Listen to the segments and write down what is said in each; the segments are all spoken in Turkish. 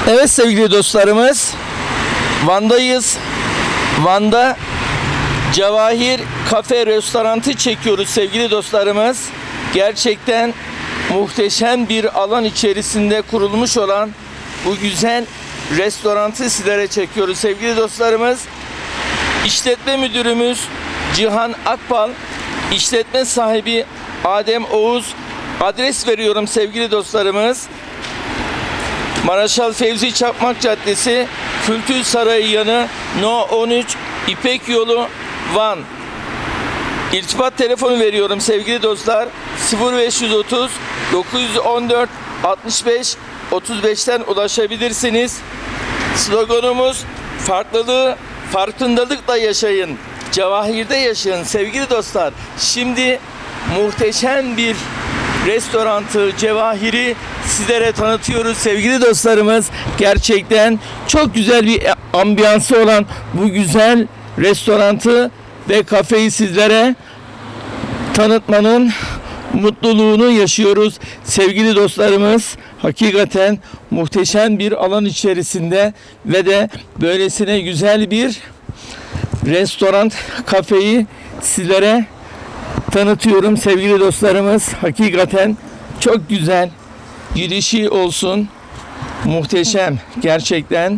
Evet sevgili dostlarımız, Van'dayız. Van'da Cevahir Kafe Restorantı çekiyoruz sevgili dostlarımız. Gerçekten muhteşem bir alan içerisinde kurulmuş olan bu güzel restorantı sizlere çekiyoruz sevgili dostlarımız. İşletme müdürümüz Cihan Akbal, işletme sahibi Adem Oğuz. Adres veriyorum sevgili dostlarımız. Marşal Fevzi Çakmak Caddesi, Kültür Sarayı yanı, No 13, İpek Yolu, Van. İrtibat telefonu veriyorum sevgili dostlar. 0530 914 65 35'ten ulaşabilirsiniz. Sloganımız farklılığı farkındalıkla yaşayın. Cevahir'de yaşayın sevgili dostlar. Şimdi muhteşem bir restorantı Cevahir'i sizlere tanıtıyoruz sevgili dostlarımız. Gerçekten çok güzel bir ambiyansı olan bu güzel restorantı ve kafeyi sizlere tanıtmanın mutluluğunu yaşıyoruz sevgili dostlarımız. Hakikaten muhteşem bir alan içerisinde ve de böylesine güzel bir restoran, kafeyi sizlere tanıtıyorum sevgili dostlarımız. Hakikaten çok güzel, girişi olsun muhteşem gerçekten.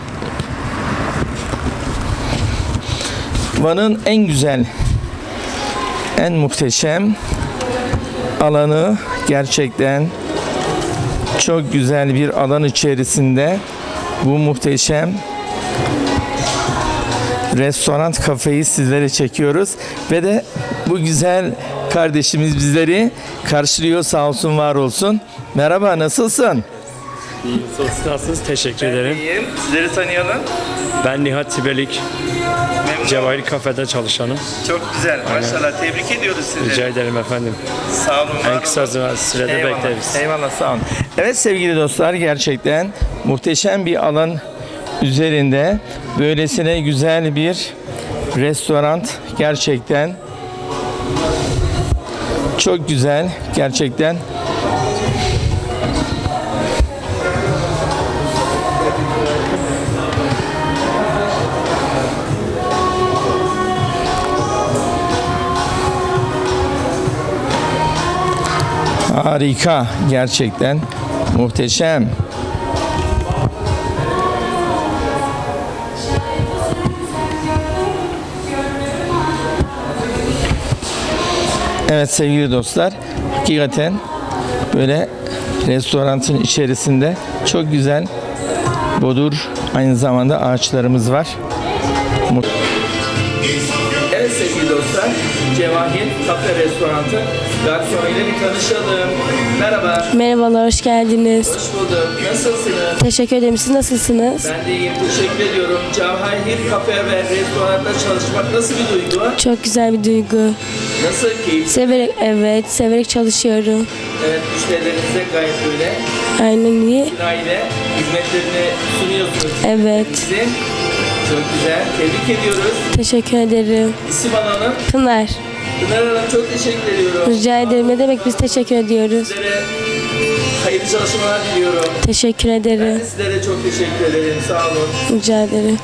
Van'ın en güzel, en muhteşem alanı, gerçekten çok güzel bir alan içerisinde bu muhteşem restoran, kafeyi sizlere çekiyoruz ve de bu güzel kardeşimiz bizleri karşılıyor, sağ olsun, var olsun. Merhaba, nasılsın? İyiyim, siz nasılsınız? Teşekkür ederim. İyiyim. Sizleri tanıyalım. Ben Nihat Tibelik, Memnun Cevahir Kafe'de çalışanım. Çok güzel. Maşallah. Tebrik ediyoruz sizi. Rica ederim efendim. Sağ olun. En kısa sürede bekleriz. Eyvallah, sağ olun. Evet sevgili dostlar, gerçekten muhteşem bir alan üzerinde böylesine güzel bir restoran, gerçekten çok güzel, gerçekten. Harika, gerçekten muhteşem. Evet sevgili dostlar, hakikaten böyle restoranın içerisinde çok güzel bodur, aynı zamanda ağaçlarımız var. Evet sevgili dostlar, Cevahir Kafe Restorantı garsonuyla bir tanışalım. Merhaba. Merhabalar, hoş geldiniz. Hoş bulduk. Nasılsınız? Teşekkür ederim. Siz nasılsınız? Ben de iyiyim. Teşekkür ediyorum. Cevahir Kafe ve Restorant'ta çalışmak nasıl bir duygu? Çok güzel bir duygu. Nasıl keyif? Severek çalışıyorum. Evet, müşterilerinize gayet böyle Aynen iyi. aile hizmetlerini sunuyorsunuz. Evet. Size çok güzel. Tebrik ediyoruz. Teşekkür ederim. İsim alalım. Pınar, Pınar Hanım, çok teşekkür ediyorum. rica ederim. Ne demek, biz teşekkür ediyoruz. Sizlere hayırlı çalışmalar diliyorum. Teşekkür Ben ederim. de sizlere çok teşekkür ederim. Sağ olun. Rica ederim.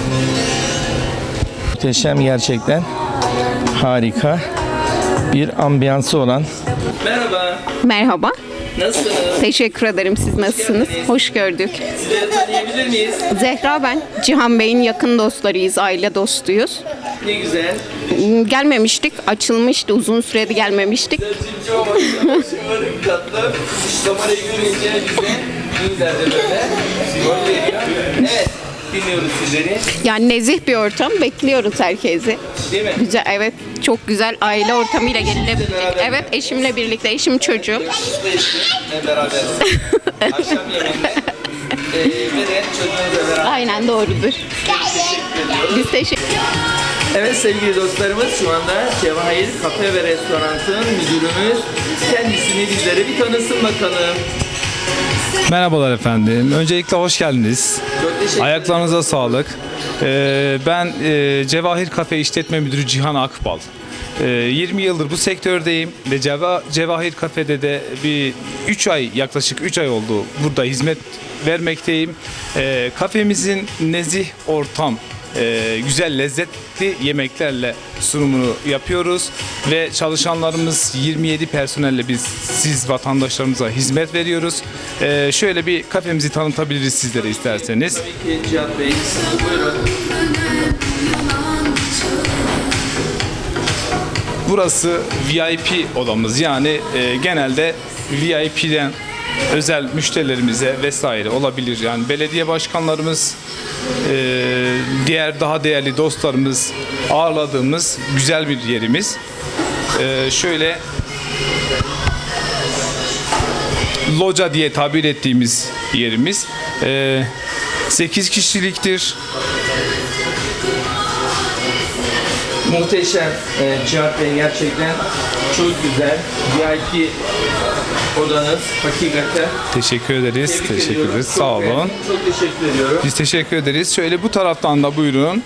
Muhteşem, gerçekten harika bir ambiyansı olan. Merhaba. Merhaba. Nasılsınız? Teşekkür ederim. Siz nasılsınız? geldiniz. Hoş gördük. Sizleri tanıyabilir miyiz? Zehra ben. Cihan Bey'in yakın dostlarıyız, aile dostuyuz. Ne güzel. Gelmemiştik, açılmıştı. Uzun süredir gelmemiştik. Sözcüğümcü olmak şımarık katlı. Kamerayı görünce bize güzel de böyle. Gol veriyor. Evet. Dinliyoruz sizleri. Yani nezih bir ortam. Bekliyoruz herkesi. Değil mi? Güzel, evet. Çok güzel aile ortamıyla gelinebilecek. beraber. Evet, eşimle birlikte. Eşim çocuğu. Hep beraber. Akşam yemeğinde. Ve de çocuğunuzla beraber. Aynen doğrudur. Biz teşekkür Evet sevgili dostlarımız, şu anda Cevahir Kafe ve Restorant'ın müdürümüz kendisini bizlere bir tanısın bakalım. Merhabalar efendim. Öncelikle hoş geldiniz. Çok teşekkür ederim. Ayaklarınıza sağlık. Ben Cevahir Kafe İşletme Müdürü Cihan Akbal. 20 yıldır bu sektördeyim ve Cevahir Kafe'de de yaklaşık 3 ay oldu burada hizmet vermekteyim. Kafemizin nezih ortam, güzel lezzetli yemeklerle sunumunu yapıyoruz ve çalışanlarımız 27 personelle siz vatandaşlarımıza hizmet veriyoruz. Şöyle bir kafemizi tanıtabiliriz sizlere isterseniz. Tabii ki Cihat Bey, buyurun. Burası VIP odamız, yani genelde VIP'den özel müşterilerimize vesaire olabilir. Yani belediye başkanlarımız, diğer daha değerli dostlarımız ağırladığımız güzel bir yerimiz. Şöyle loca diye tabir ettiğimiz yerimiz 8 kişiliktir. Muhteşem Cihat Bey, gerçekten çok güzel. VIP odanız hakikaten. Teşekkür ederiz. Tebrik Teşekkür ediyorum. ederiz. Çok Sağ olun. beğendim. Çok teşekkür ediyorum. Biz teşekkür ederiz. Şöyle bu taraftan da buyurun.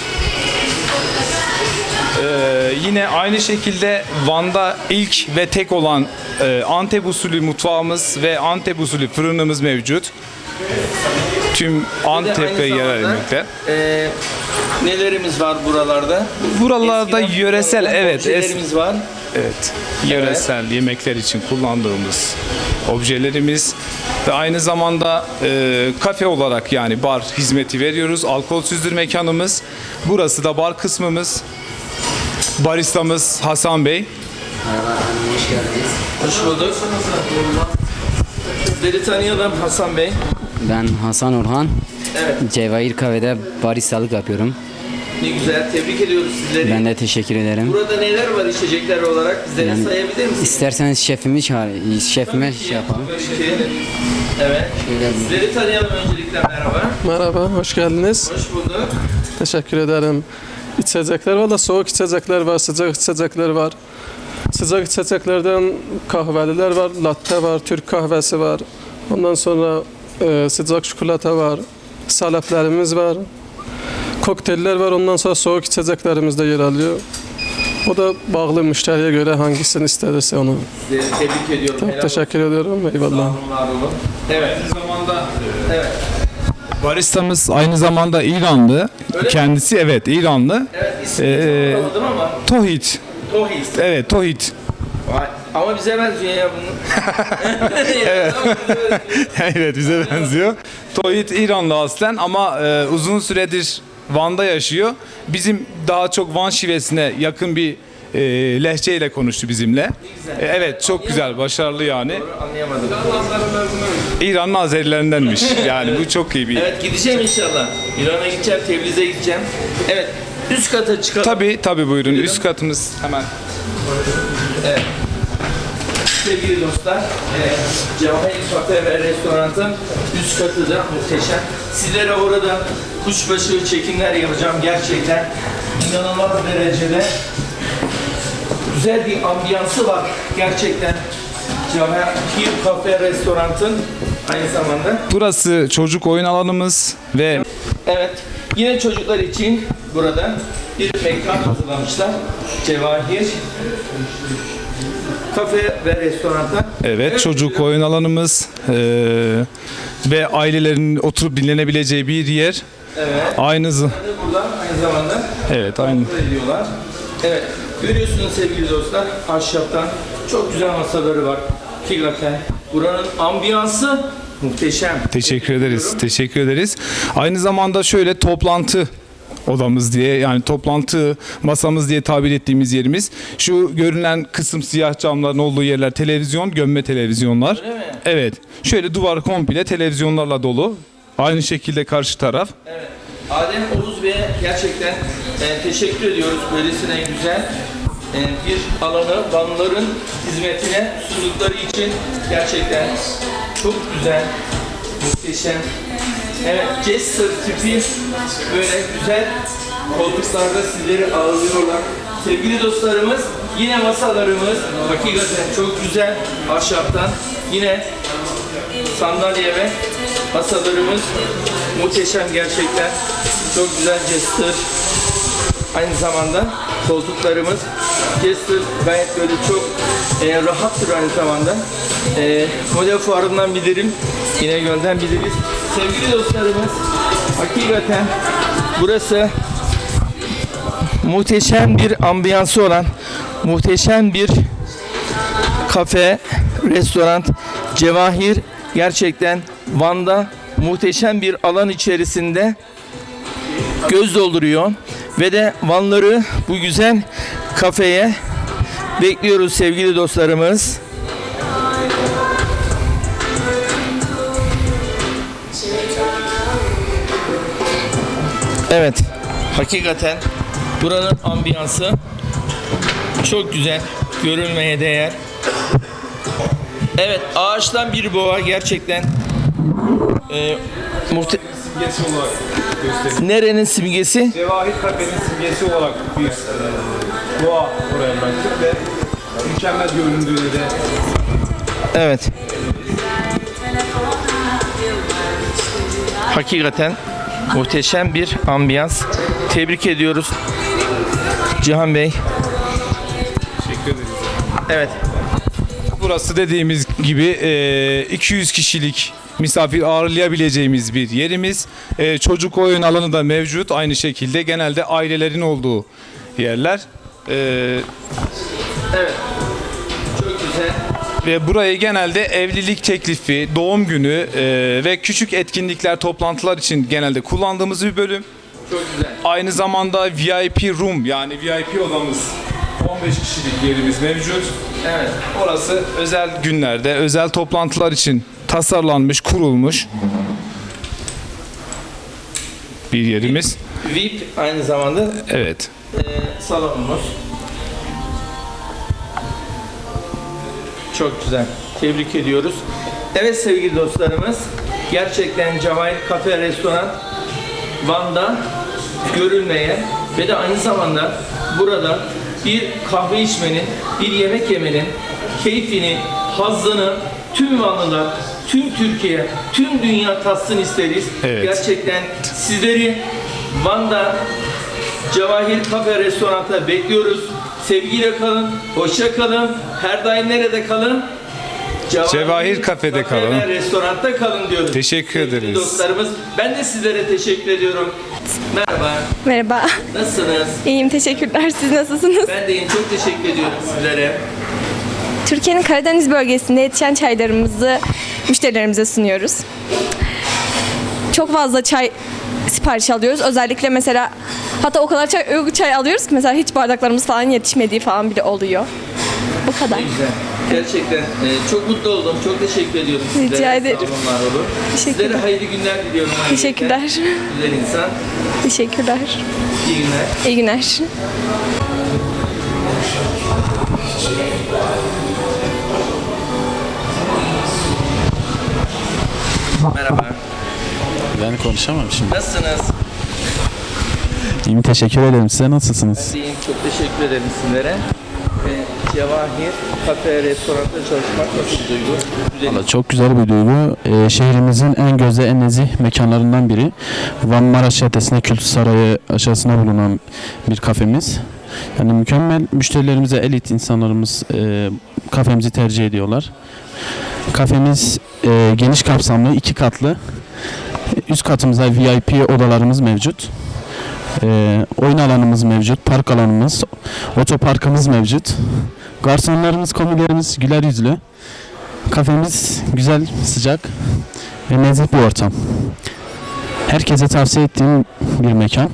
Yine aynı şekilde Van'da ilk ve tek olan Antep usulü mutfağımız ve Antep usulü fırınımız mevcut. Tüm Antep ve Aynı yerel zamanda, yemekler. Nelerimiz var buralarda? Buralarda Eskiden yöresel, evet, objelerimiz var. evet, yöresel yemekler için kullandığımız objelerimiz ve aynı zamanda kafe olarak, yani bar hizmeti veriyoruz. Alkolsüzdür mekanımız. Burası da bar kısmımız. Baristamız Hasan Bey. Hoş bulduk. Sizleri tanıyalım Hasan Bey. Ben Hasan Orhan. Evet. Cevahir Kahve'de baristalık yapıyorum. Ne güzel. Tebrik ediyoruz sizleri. Ben de teşekkür ederim. Burada neler var içecekler olarak? Bizlere Yani sayabilir misiniz? İsterseniz şefime şey yapalım. Peki. Evet. Sizleri tanıyalım öncelikle. Merhaba. Merhaba, hoş geldiniz. Hoş bulduk. Teşekkür ederim. İçecekler var da soğuk içecekler var, sıcak içecekler var. Sıcak içeceklerden kahveliler var, latte var, Türk kahvesi var. Ondan sonra sıcak çikolata var, saleplerimiz var. Kokteyller var, ondan sonra soğuk içeceklerimiz de yer alıyor. O da bağlı müşteriye göre hangisini isterse onu. Sizleri tebrik ediyorum. Çok Helal teşekkür ediyorum, olsun. eyvallah. Sağ olun, var olun. Evet. Aynı zamanda Evet. baristamız aynı zamanda İranlı. Öyle mi? Kendisi evet İranlı. Evet. İsmini anlamadım ama. Tohit. Tohis. Evet, Tohit. Vay, ama bize benziyor ya bunun. Evet. Evet, bize benziyor. Tohit İranlı aslen ama uzun süredir Van'da yaşıyor. Bizim daha çok Van şivesine yakın bir lehçeyle konuştu bizimle. Evet, çok güzel, başarılı yani. Anlayamadım. İranlı Azerilerindenmiş. Yani bu çok iyi bir. Evet, gideceğim inşallah. İran'a gideceğim, Tebriz'e gideceğim. Evet. Üst kata çıkalım. Tabii buyurun. Üst katımız hemen. Sevgili dostlar, Cevahir Kafe ve Restoran'ın üst katı da muhteşem. Sizlere orada kuşbaşı çekimler yapacağım. Gerçekten inanılmaz derecede güzel bir ambiyansı var. Gerçekten Cevahir Kafe Restoran'ın aynı zamanda. Burası çocuk oyun alanımız ve Evet, yine çocuklar için burada bir mekan hazırlamışlar. Cevahir Kafe ve Restoran'da. evet, çocuk oyun alanımız ve ailelerin oturup dinlenebileceği bir yer. Evet. Burada aynı zamanda Evet, aynı. ediyorlar. Evet, görüyorsunuz sevgili dostlar, ahşaptan çok güzel masaları var. Hakikaten buranın ambiyansı muhteşem. Teşekkür ederiz. Teşekkür ederiz. Aynı zamanda şöyle toplantı odamız diye, yani toplantı masamız diye tabir ettiğimiz yerimiz. Şu görünen kısım siyah camların olduğu yerler televizyon, gömme televizyonlar. Öyle mi? Evet. Şöyle duvar komple televizyonlarla dolu. Aynı şekilde karşı taraf. Evet. Adem Oğuz Bey'e gerçekten teşekkür ediyoruz. Böylesine güzel bir alanı Vanlıların hizmetine sundukları için gerçekten çok güzel, muhteşem. Evet, Jester tipi böyle güzel koltuklarda sizleri ağırlıyorlar. Sevgili dostlarımız, yine masalarımız hakikaten çok güzel ahşaptan. Yine sandalye ve masalarımız muhteşem gerçekten. Çok güzel Jester. Aynı zamanda Koltuklarımız Jester gayet böyle çok rahattır aynı zamanda. Model fuarından bilirim. İnegöl'den biliriz. Sevgili dostlarımız, hakikaten burası muhteşem bir ambiyansı olan, muhteşem bir kafe, restoran, Cevahir gerçekten Van'da muhteşem bir alan içerisinde göz dolduruyor ve de Vanları bu güzel kafeye bekliyoruz sevgili dostlarımız. Evet, hakikaten buranın ambiyansı çok güzel, görülmeye değer. Evet, ağaçtan bir boğa gerçekten Simgesi olarak gösteriyor. nerenin simgesi? Cevahir Kafe'nin simgesi olarak bir doğa oraya bıraktık ve mükemmel göründüğüne de Evet. Hakikaten muhteşem bir ambiyans. Tebrik ediyoruz Cihan Bey. teşekkür ederiz. Evet. Burası dediğimiz gibi 200 kişilik misafir ağırlayabileceğimiz bir yerimiz. Çocuk oyun alanı da mevcut. Aynı şekilde genelde ailelerin olduğu yerler. Evet. Çok güzel. Ve burayı genelde evlilik teklifi, doğum günü ve küçük etkinlikler, toplantılar için genelde kullandığımız bir bölüm. Çok güzel. Aynı zamanda VIP room yani VIP odamız 15 kişilik yerimiz mevcut. Evet. Orası özel günlerde, özel toplantılar için tasarlanmış, kurulmuş bir yerimiz. VIP aynı zamanda Evet. salonumuz. Çok güzel. Tebrik ediyoruz. Evet sevgili dostlarımız, gerçekten Cevahir Kafe Restoran Van'da görülmeye ve de aynı zamanda burada bir kahve içmenin, bir yemek yemenin keyfini, hazzını tüm Vanlılar, tüm Türkiye, tüm dünya tatsın isteriz. Evet. Gerçekten sizleri Van'da Cevahir Kafe Restoran'ta bekliyoruz. Sevgiyle kalın, hoşça kalın. Her daim nerede kalın? Cevahir Kafe'de Kafe kalın. ve restoranda kalın diyoruz. Teşekkür Sevgili ederiz. dostlarımız, ben de sizlere teşekkür ediyorum. Merhaba, Merhaba. nasılsınız? İyiyim, teşekkürler. Siz nasılsınız? Ben de iyiyim, çok teşekkür ediyorum sizlere. Türkiye'nin Karadeniz bölgesinde yetişen çaylarımızı müşterilerimize sunuyoruz. Çok fazla çay sipariş alıyoruz. Özellikle mesela hatta o kadar çay alıyoruz ki mesela hiç bardaklarımız falan yetişmediği falan bile oluyor. Bu kadar. Güzel. Gerçekten çok mutlu oldum. Çok teşekkür ediyorum sizlere. Rica ederim. Sağ olun, var olun. Teşekkürler. Sizlere hayırlı günler diliyorum. Teşekkürler. Güzel insan. Teşekkürler. İyi günler. İyi günler. Merhaba. Ben konuşamam şimdi. Nasılsınız? İyiyim, teşekkür ederim. Size nasılsınız? İyiyim. Çok teşekkür ederim sizlere. Ve Cevahir Kafe Restoran'da çalışmak nasıl bir duygu? Güzel. Valla çok güzel bir duygu. Şehrimizin en gözde, en nezih mekanlarından biri. Van Maraş Caddesi'nde Kültür Sarayı aşağısında bulunan bir kafemiz. Yani mükemmel, müşterilerimize elit insanlarımız kafemizi tercih ediyorlar. Kafemiz geniş kapsamlı, 2 katlı. Üst katımızda VIP odalarımız mevcut. Oyun alanımız mevcut, park alanımız, otoparkımız mevcut. Garsonlarımız, komilerimiz güler yüzlü. Kafemiz güzel, sıcak ve nezih bir ortam. Herkese tavsiye ettiğim bir mekan.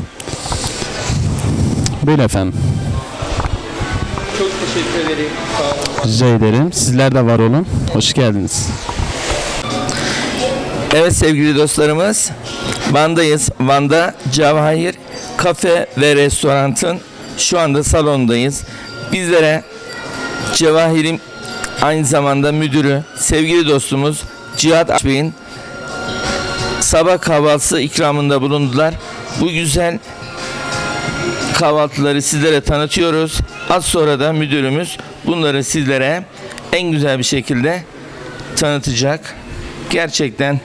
Böyle efendim. Çok teşekkür ederim. Sağ olun. Rica ederim. Sizler de var olun. Hoş geldiniz. Evet sevgili dostlarımız, Van'dayız. Van'da Cevahir Kafe ve Restoran'ın şu anda salondayız. Bizlere Cevahir'in aynı zamanda müdürü, sevgili dostumuz Cihat Bey'in sabah kahvaltısı ikramında bulundular. Bu güzel kahvaltıları sizlere tanıtıyoruz. Az sonra da müdürümüz bunları sizlere en güzel bir şekilde tanıtacak. Gerçekten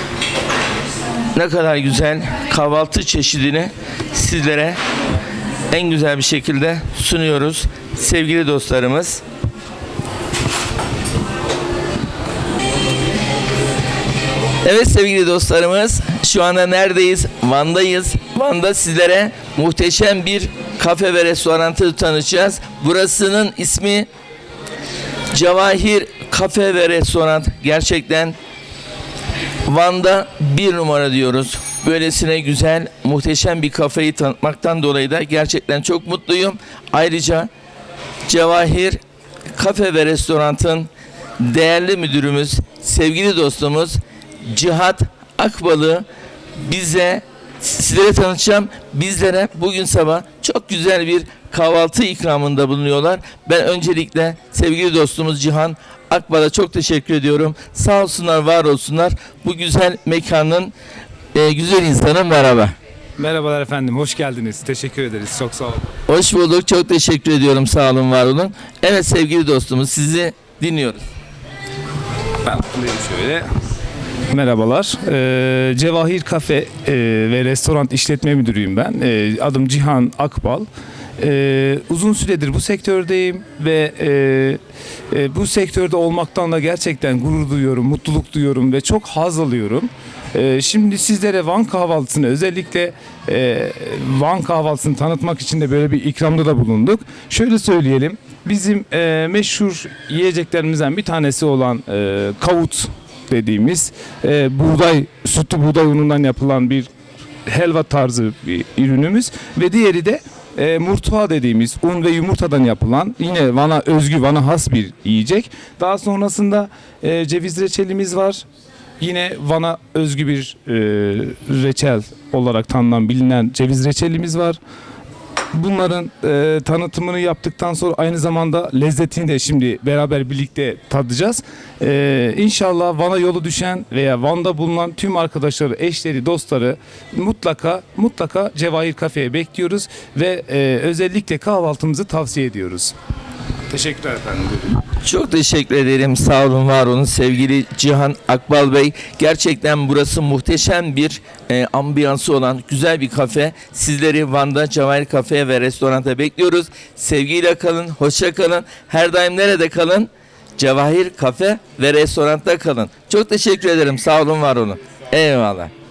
ne kadar güzel kahvaltı çeşidini sizlere en güzel bir şekilde sunuyoruz sevgili dostlarımız. Evet sevgili dostlarımız, şu anda neredeyiz? Van'dayız. Van'da sizlere muhteşem bir kafe ve restoranı tanıtacağız. Burasının ismi Cevahir Kafe ve Restoran. Gerçekten Van'da bir numara diyoruz. Böylesine güzel, muhteşem bir kafeyi tanıtmaktan dolayı da gerçekten çok mutluyum. Ayrıca Cevahir Kafe ve Restoran'ın değerli müdürümüz, sevgili dostumuz Cihat Akbal'ı sizlere tanıtacağım. Bizlere bugün sabah çok güzel bir kahvaltı ikramında bulunuyorlar. Ben öncelikle sevgili dostumuz Cihan Akbal'a çok teşekkür ediyorum. Sağ olsunlar, var olsunlar. Bu güzel mekanın güzel insanı, merhaba. Merhabalar efendim, hoş geldiniz. Teşekkür ederiz, çok sağ olun. Hoş bulduk, çok teşekkür ediyorum. Sağ olun, var olun. Evet sevgili dostumuz, sizi dinliyoruz. Ben buradayım şöyle. Merhabalar. Cevahir Kafe ve Restoran İşletme Müdürüyüm ben. Adım Cihan Akbal. Uzun süredir bu sektördeyim ve bu sektörde olmaktan da gerçekten gurur duyuyorum, mutluluk duyuyorum ve çok haz alıyorum. Şimdi sizlere Van kahvaltısını, özellikle Van kahvaltısını tanıtmak için de böyle bir ikramda da bulunduk. Şöyle söyleyelim, bizim meşhur yiyeceklerimizden bir tanesi olan kavut dediğimiz sütlü buğday unundan yapılan bir helva tarzı bir ürünümüz ve diğeri de murtuğa dediğimiz un ve yumurtadan yapılan yine Van'a özgü, Van'a has bir yiyecek. Daha sonrasında ceviz reçelimiz var. Yine Van'a özgü bir reçel olarak tanınan, bilinen ceviz reçelimiz var. Bunların tanıtımını yaptıktan sonra aynı zamanda lezzetini de şimdi beraber birlikte tadacağız. İnşallah Van'a yolu düşen veya Van'da bulunan tüm arkadaşları, eşleri, dostları mutlaka Cevahir Kafe'ye bekliyoruz ve özellikle kahvaltımızı tavsiye ediyoruz. Teşekkürler efendim. Çok teşekkür ederim. Sağ olun, var olun sevgili Cihan Akbal Bey. Gerçekten burası muhteşem bir ambiyansı olan güzel bir kafe. Sizleri Van'da Cevahir Kafe ve Restorant'a bekliyoruz. Sevgiyle kalın, hoşça kalın. Her daim nerede kalın? Cevahir Kafe ve Restorant'ta kalın. Çok teşekkür ederim. Sağ olun, var olun. Eyvallah.